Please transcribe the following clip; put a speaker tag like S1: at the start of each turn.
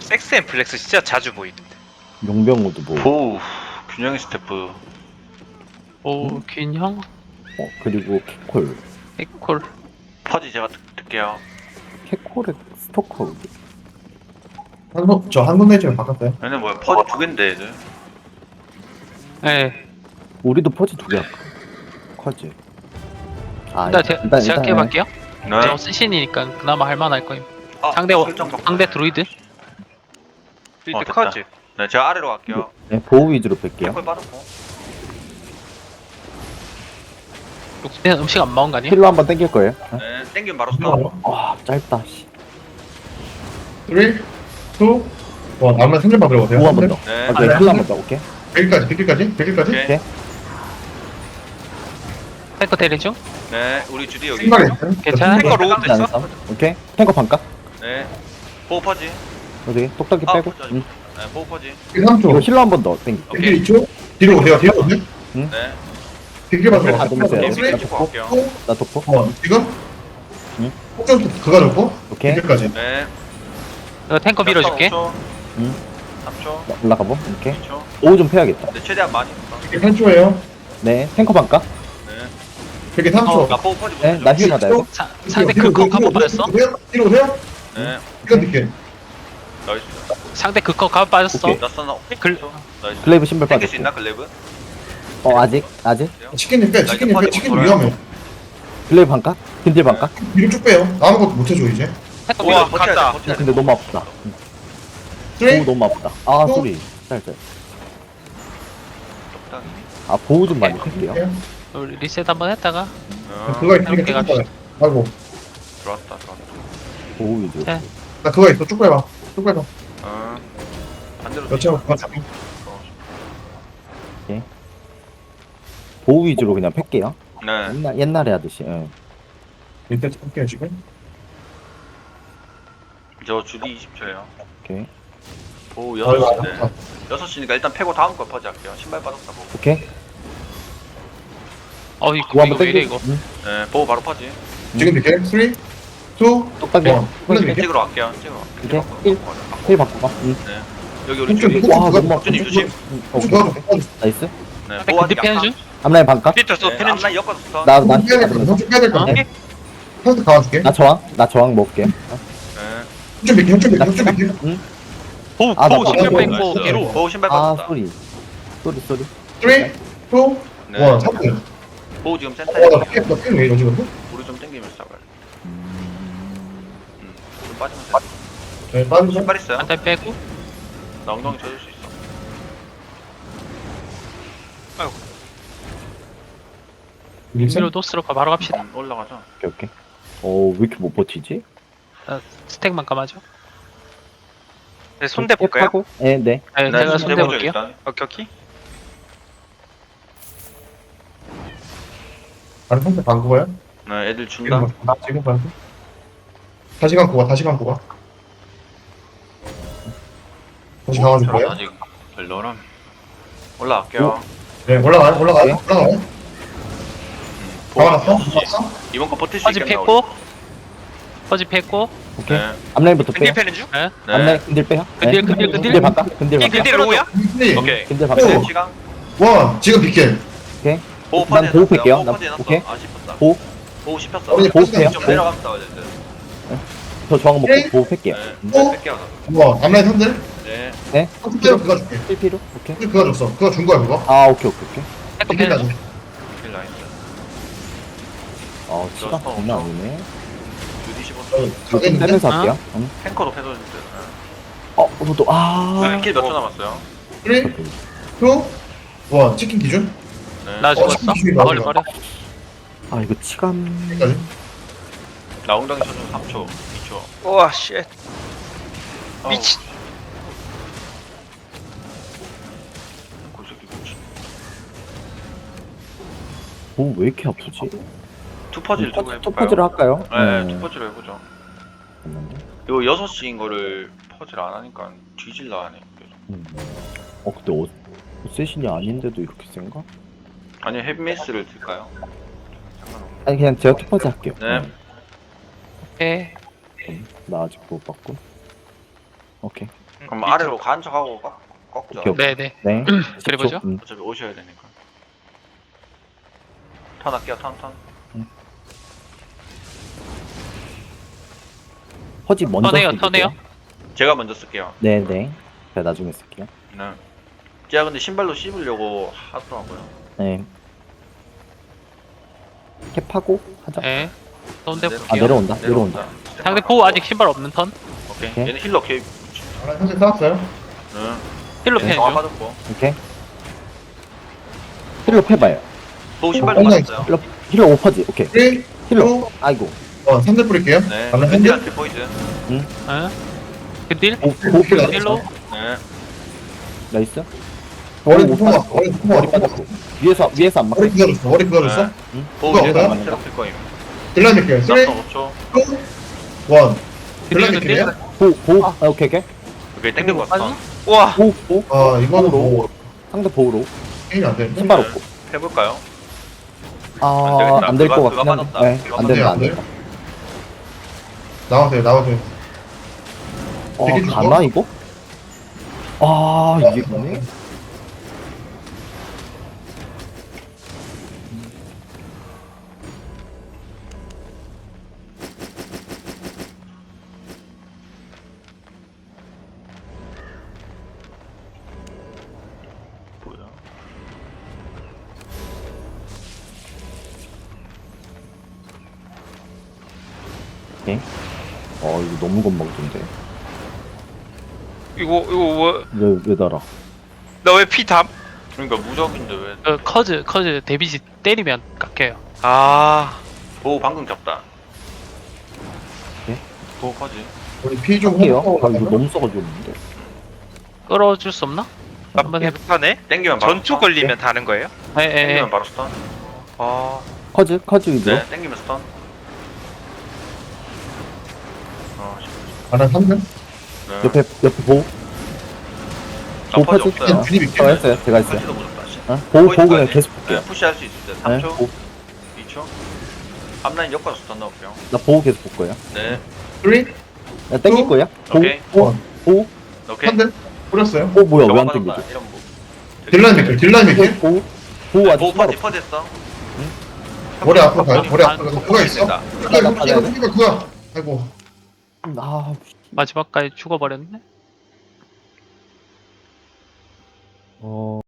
S1: 섹스 앤 플렉스 진짜 자주 보이는데.
S2: 용병우도 뭐.
S3: 보우 균형의 스태프.
S4: 오 균형
S2: 그리고 캐콜.
S4: 에콜
S3: 퍼지 제가 듣게요.
S2: 캐콜의 스토커.
S5: 한국 내지를 바꿨어요.
S3: 얘네 뭐야 퍼지 두 갠데 얘들.
S4: 네
S2: 우리도 퍼지 2개 할까? 커지. 아,
S4: 일단 생각해볼게요
S3: 네.
S4: 저 쓰신이니까 그나마 할만할 거임
S3: 아,
S4: 상대
S3: 설정 바꿔야
S4: 상대
S3: 돼.
S4: 드루이드
S1: 이때
S3: 됐다.
S1: 커즈.
S3: 네 제가 아래로 갈게요.
S2: 네, 보호 위주로 뺄게요.
S3: 콜 빠졌고.
S4: 육수는 음식 안 먹은 거 아니에요?
S2: 힐로 한번 땡길 거예요.
S3: 네 땡기면 바로 스톱.
S2: 와, 짧다. 씨.
S5: 3, 2, 1. 다음날 3점만 들어가세요.
S2: 5 한 번 더.
S3: 네.
S2: 오케이, 힐로 한번 더. 오케이.
S5: 100일까지, 100일까지, 100일까지.
S3: 오케이.
S4: 탱커 대리 중?
S3: 네 우리 주디 여기.
S5: 신발이 있어요.
S4: 괜찮아?
S1: 탱커 로우 됐어?
S2: 안에서. 오케이. 탱커 반값.
S3: 네. 보우 퍼지.
S2: 어디? 똑딱이
S3: 아,
S2: 빼고.
S3: 퍼지.
S2: 응.
S3: 네 보우 퍼지.
S5: 3초.
S2: 이거 힐로 한 번 더 땡기.
S3: 오케이.
S5: 1길 2초. 뒤로 오세요, 뒤로 오세요.
S3: 네.
S5: 100일만
S2: 다 들으세요.
S5: 들어가세요.
S3: 네, 찍고 갈게요.
S2: 나 도포.
S5: 지금?
S2: 응?
S5: 폭전 그가 좋고.
S2: 오케이.
S5: 100일까지.
S3: 네.
S4: 이거 탱커 밀어줄게
S3: 3초.
S2: 응.
S3: 3초.
S2: 올라가 보. 오케이.
S3: 2초.
S2: 오 좀 패야겠다.
S3: 네 최대한 많이 했어.
S5: 100일 3초예요.
S2: 네. 탱커 반값.
S3: 네.
S5: 100일 3초.
S3: 나 보우 퍼지
S2: 네.
S3: 못해줘.
S2: 나 힐 받아야 돼.
S4: 상대 극커 가보 빠졌어?
S5: 뒤로 오세요.
S3: 네.
S5: 이건 늦게.
S3: 나이스.
S4: 상대 극커 가보 빠졌어
S2: 오케이.
S3: 나 써나.
S4: 글-
S3: 나이스.
S2: 글레이브 신발
S3: 땡길 수
S2: 빠졌고.
S3: 있나 글레이브?
S2: 아직.
S5: 치킨님 빼, 치킨님 빼, 치킨 위험해.
S2: 글레이브 반값. 근딜 반값.
S5: 뒤로 쭉 빼요. 아무것도 못해줘, 이제.
S4: 탱커
S1: 우와,
S4: 밀어
S1: 갔다.
S2: 근데 너무 아프다.
S5: 3,
S2: 보호 너무 아프다. 아,
S5: 또?
S2: 소리. 짧짧. 아, 보호 좀 많이 뺄게요.
S4: 우리 리셋 한번 했다가
S5: 그거 있으니까
S4: 이렇게
S5: 쭉
S4: 갑시다.
S5: 빼요. 아이고,
S3: 들어왔다.
S2: 보호 위주로.
S4: 네.
S5: 나 그거 있어. 쭉 빼봐. 쭉 빼봐.
S3: 반대로.
S5: 여차고 그거 잡고.
S2: 보호 위주로 그냥 팰게요.
S3: 네.
S2: 옛날에 하듯이. 예.
S5: 일단 잡을게요, 지금.
S3: 저 주디 20초예요.
S2: 오케이.
S3: 보우
S5: 아이고,
S3: 6시인데.
S5: 아깝다.
S3: 6시니까 일단 패고 다음 거 퍼지 할게요. 신발 빠졌다 보고.
S2: 오케이.
S4: 어이
S2: 보호 한번
S4: 이거 왜 이래
S2: 땡겨.
S4: 이거
S2: 응.
S3: 네. 보우 바로 퍼지.
S5: 지금 늦게. 3, 2, 1.
S2: 똑딱이.
S5: 플래시
S3: 찍으러 갈게요. 찍으러.
S2: 오케이. 힐 바꿔 봐. 응.
S3: 네. 여기 우리
S5: 좀
S3: 주디.
S5: 와,
S2: 와, 너무
S3: 주디
S2: 아픈데?
S3: 조심.
S2: 응,
S5: 쭉
S2: 오케이.
S5: 도와줘. 도와줘.
S2: 나이스.
S3: 네.
S4: 상대
S3: 보우
S4: 근데 피하는 중?
S2: 앞라인 반값.
S1: 피터스
S3: 네.
S1: 패는 중.
S3: 앞라인 엮어서 스턴.
S2: 나
S5: 좀 빼야 될 거야. 좀 빼야 될 거야.
S4: 어?
S5: 형한테 가와줄게.
S2: 나 저항 먹을게.
S3: 네.
S5: 좀 믿게, 좀 믿게,
S2: 나
S5: 좀 믿게.
S2: 응.
S4: 보우
S2: 아, 나
S4: 보우 신경
S2: 뭐-
S4: 뺏고
S3: 나이스.
S4: 뒤로
S3: 보우 신발
S2: 아,
S3: 빠졌다.
S2: 소리.
S5: 3, 2, 1.
S3: 네.
S5: 3분.
S3: 보우 지금 센터에.
S5: 나 핑 왜 이러지, 근데?
S3: 우리 좀 땡기면서 잡아요. 좀 빠지면 돼.
S5: 네, 빠르죠.
S3: 신발 있어요?
S4: 한대 빼고
S3: 나 엉덩이 쳐줄 수 있어.
S4: 밀어 노스로 바로 갑시다
S3: 올라가자.
S2: 오케이, 오케이. 왜 이렇게 못 버티지?
S4: 스택만 감아줘
S1: 네, 손대 볼까요?
S2: 하고? 네, 네.
S4: 네,
S3: 네,
S4: 제가
S3: 손
S4: 손대
S3: 대보죠,
S4: 볼게요
S3: 일단.
S1: 오케이 오케이.
S5: 아래 선택 감고 가요?
S3: 네, 애들 준다.
S5: 지금 감고. 다시 감고 가, 다시 감고 가. 다시 감아줄
S3: 저런
S5: 거예요?
S3: 아직 별로람. 올라갈게요.
S5: 네, 올라가요, 올라가요, 올라가요. 감아놨어?
S3: 이번 거 버틸 수
S4: 퍼지
S3: 있겠나?
S4: 뺐고 퍼지 뺐고
S2: 오케이.
S3: 네.
S2: 앞라인부터 빼요.
S1: 근딜 패는 중?
S4: 네.
S2: 앞라인 근딜 빼요.
S4: 근딜,
S2: 네.
S4: 근딜.
S2: 근딜 바꿔. 근딜 바꿔.
S1: 근딜 로우야?
S5: 네.
S3: 오케이.
S2: 근딜
S5: 오.
S2: 바꿔.
S3: 시간.
S5: 원, 지금 비킬.
S2: 오케이.
S3: 보호
S2: 난
S3: 퍼지
S2: 보호
S3: 해놨어요.
S2: 뺄게요.
S3: 보호
S2: 난-
S3: 퍼지 해놨어.
S2: 오케이.
S3: 아, 씹혔다.
S2: 보호.
S3: 보호 씹혔어.
S5: 어머니,
S2: 보호 빼요.
S3: 좀
S2: 보호.
S3: 내려가면 싸워야 돼.
S2: 저 저항 먹고
S3: 네.
S2: 보호 팰게요.
S5: 어?
S3: 뺄게요.
S5: 와, 앞라인 선들?
S3: 네.
S2: 네.
S5: 선택대로 그거 줄게.
S2: 필피로. 오케이.
S5: 그거 줬어. 그거 준 거야, 그거?
S2: 아, 오케이, 오케이, 오케이.
S4: 탱커
S5: 비킬
S4: 빼는 중
S5: 나줘.
S3: 킬 나이스.
S2: 시간 장난 아니네.
S3: 주디 15.
S2: 좀
S5: 가겠는데?
S2: 빼면서 할게요.
S3: 탱커도 패도 주세요.
S2: 저도
S3: 킬몇 초 남았어요?
S5: 3, 2, 1. 치킨 기준?
S3: 네.
S4: 나 죽었어? 버려 버려
S2: 아, 이거 치감.
S5: 여기까지.
S3: 나 엉덩이 쳐준 3초, 2초.
S1: 우와 쉣. 미친.
S3: 골새끼 미친.
S2: 보호 왜 이렇게 아프지?
S3: 투퍼지를 두고 해볼까요?
S2: 첫 퍼즐을 할까요?
S3: 네, 투퍼지를 해보죠. 이거 6시인 거를 퍼즐 안 하니까 뒤질라 하네.
S2: 근데 세신이 아닌데도 이렇게 센가?
S3: 아니면 헤비메이스를 들까요? 상관없네.
S2: 아니, 그냥 제가 첫 퍼즐 할게요.
S3: 네.
S4: 오케이
S2: 나 아직 못 봤고. 오케이.
S3: 그럼 아래로 간 척하고 꺾죠.
S2: 오케이, 오케이.
S4: 네네.
S2: 네.
S4: 그래보죠.
S2: 10초.
S3: 어차피 오셔야 되니까. 턴 할게요. 턴.
S2: 퍼지 먼저.
S4: 턴해요,
S2: 쓸게요.
S4: 턴해요.
S3: 제가 먼저 쓸게요.
S2: 네네. 제가 나중에 쓸게요.
S3: 네. 제가 근데 신발로 씹으려고 하더라고요.
S2: 네. 캡하고 하자.
S4: 네. 손대
S3: 네.
S2: 아,
S4: 볼게요.
S2: 내려온다.
S4: 상대 보호 아직 신발 없는 턴.
S3: 오케이.
S2: 오케이.
S3: 얘는 힐러 개입.
S5: 아나 현재 싸웠어요?
S3: 응.
S4: 힐로
S3: 얘는
S4: 패는
S3: 정화
S4: 중.
S3: 받았고.
S2: 오케이. 힐러 패봐요.
S3: 보호 신발도
S5: 엉덩이
S3: 받았어요.
S2: 힐러 오퍼지. 오케이.
S5: 3, 2,
S2: 힐러. 아이고.
S5: 3대 뿌릴게요.
S3: 네.
S5: 나는 현재
S3: 밴디한테 포이즌.
S4: 네. 그딜
S2: 오, 오,
S4: 힐로.
S3: 네.
S2: 나이스.
S5: 머리
S2: 오,
S5: 부숴.
S2: 빠졌고.
S5: 머리 부숴.
S2: 머리 빠졌고. 위에서 안 맞고.
S5: 머리 부숴줬어. 머리 부숴줬어.
S3: 네. 보호
S5: 그거
S3: 이제
S5: 없어요?
S3: 새롭게 거임.
S5: 딜라인 밀게요. 3, 2, 1.
S3: 납성 5초.
S5: 딜라인
S4: 그딜
S5: 밀게요.
S2: 보. 아, 오케이, 오케이.
S3: 오케이 땡긴 거 같아.
S1: 우와.
S2: 보.
S5: 아 이거는 뭐
S2: 상대 보호로.
S5: 게임이 안 되는데.
S2: 신발 없고.
S3: 해볼까요?
S2: 아,
S3: 되겠다.
S2: 안 될 것
S3: 그거
S2: 같긴 한데.
S3: 받았다.
S2: 네,
S3: 그거
S2: 안 된다, 안
S5: 안 돼요.
S2: 된다.
S5: 나와세요. 되게 좋아.
S2: 가나, 이거? 아, 이게 뭐네?
S3: 뭐야?
S2: 이거 너무 겁먹던데.
S1: 이거 뭐?
S2: 왜 달아?
S1: 너 왜 피담?
S3: 그러니까 무적인데 왜?
S4: 커즈 데미지 때리면 깎여요.
S1: 아.
S3: 보호 방금 잡다.
S2: 네?
S3: 보호 퍼지.
S5: 우리 피좀
S2: 할게요. 아, 이거 너무 써가지고 없는데.
S4: 끌어줄 수 없나? 한번 해봐.
S1: 하네.
S3: 땡기면 바로
S1: 전투
S3: 스턴.
S1: 걸리면 다는 거예요?
S4: 예.
S3: 땡기면 바로 스턴.
S1: 아.
S2: 커즈 위주로.
S3: 네. 땡기면 스턴.
S5: 아나 3등?
S3: 네.
S2: 옆에 보호.
S3: 나 퍼지
S2: 퍼지?
S3: 없어요.
S5: 드립
S2: 제가
S5: 있게.
S2: 했어요. 제가 했어요.
S3: 퍼지도 무섭다. 씨.
S2: 보호
S3: 포인트
S2: 그냥
S3: 가야지.
S2: 계속 볼게요.
S3: 네, 푸시할 수 있을 때
S2: 네,
S3: 3초,
S2: 보호.
S3: 2초. 앞라인 엮어서 스턴 넣을게요.
S2: 나 보호 계속 볼 거예요.
S3: 네.
S5: 3, 2,
S2: 나 땡길 거야. 보호.
S3: 오케이.
S2: 보호. 보호.
S3: 오케이.
S5: 3등? 뿌렸어요.
S2: 뭐야, 왜 안
S3: 저거
S2: 땡기지?
S3: 받았다. 이런 뭐.
S5: 딜라인 밀게요. 딜라인 밀게요.
S2: 보호. 보호 아직
S3: 보호
S2: 신발
S3: 퍼지
S2: 없어.
S3: 퍼지 했어.
S5: 머리 앞으로 가요. 머리
S4: 아,
S5: 앞으로 가서 그거 있어.
S3: 된다.
S5: 그거 그거야. 아이고.
S2: 아,
S4: 마지막까지 죽어버렸네.